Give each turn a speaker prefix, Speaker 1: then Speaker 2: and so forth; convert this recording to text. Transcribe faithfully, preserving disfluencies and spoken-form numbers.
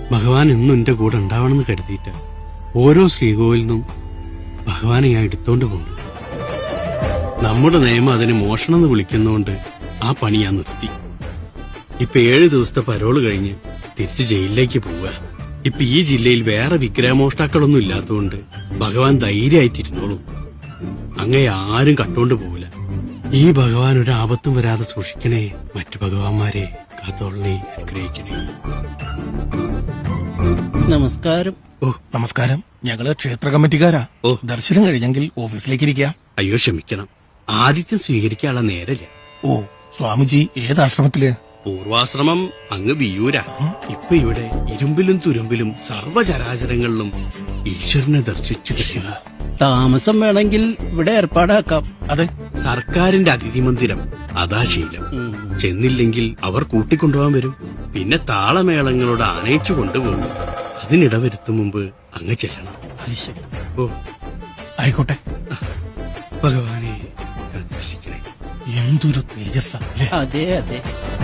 Speaker 1: ഭഗവാൻ എന്നും എന്റെ കൂടെ ഉണ്ടാവണമെന്ന് കരുതിയിട്ട് ഓരോ ശ്രീകോവിൽ നിന്നും ഭഗവാനെ ഞാൻ എടുത്തോണ്ട് പോകുന്നു. നമ്മുടെ നിയമം അതിനെ മോഷണം എന്ന് വിളിക്കുന്നതുകൊണ്ട് ആ പണി ഞാൻ നിർത്തി. ഇപ്പൊ ഏഴു ദിവസത്തെ പരോള് കഴിഞ്ഞ് തിരിച്ച് ജയിലിലേക്ക് പോവുക. ഇപ്പൊ ഈ ജില്ലയിൽ വേറെ വിഗ്രഹമോഷ്ടാക്കളൊന്നും ഇല്ലാത്തതുകൊണ്ട് ഭഗവാൻ ധൈര്യമായിട്ടിരുന്നോളും. അങ്ങേ ആരും കട്ടോണ്ട് പോവില്ല. ഈ ഭഗവാൻ ഒരു ആപത്തും വരാതെ സൂക്ഷിക്കണേ. മറ്റു ഭഗവാന്മാരെ കാത്തോളനെ അനുഗ്രഹിക്കണേ.
Speaker 2: നമസ്കാരം.
Speaker 3: ഓ നമസ്കാരം. ഞങ്ങള് ക്ഷേത്ര കമ്മിറ്റിക്കാരാ.
Speaker 1: ഓ
Speaker 3: ദർശനം കഴിഞ്ഞെങ്കിൽ ഓഫീസിലേക്ക് ഇരിക്കാം.
Speaker 1: അയ്യോ ക്ഷമിക്കണം, ആദിത്യം സ്വീകരിക്കാനുള്ള നേരല്ല.
Speaker 3: ഓ സ്വാമിജി ഏത് ആശ്രമത്തില്?
Speaker 1: പൂർവാശ്രമം അങ്ങ് വിയൂരാ. ഇപ്പൊ ഇവിടെ ഇരുമ്പിലും തുരുമ്പിലും സർവചരാചരങ്ങളിലും ഈശ്വരനെ ദർശിച്ചു കഴിയുക.
Speaker 2: താമസം വേണമെങ്കിൽ ഇവിടെ ഏർപ്പാടാക്കാം.
Speaker 3: അതെ,
Speaker 1: സർക്കാരിന്റെ അതിഥി മന്ദിരം അതാ ശീലം. ചെന്നില്ലെങ്കിൽ അവർ കൂട്ടിക്കൊണ്ടുപോകാൻ വരും. പിന്നെ താളമേളങ്ങളോട് ആനയിച്ചു കൊണ്ടുപോകും. അതിനിടവരുത്തും മുമ്പ് അങ്ങ് ചെല്ലണം. ഓ
Speaker 3: ആയിക്കോട്ടെ.
Speaker 1: ഭഗവാനെ കാത്തുരക്ഷിക്കണേ.
Speaker 3: എന്തൊരു തേജസ്സാ.
Speaker 2: അതെ അതെ.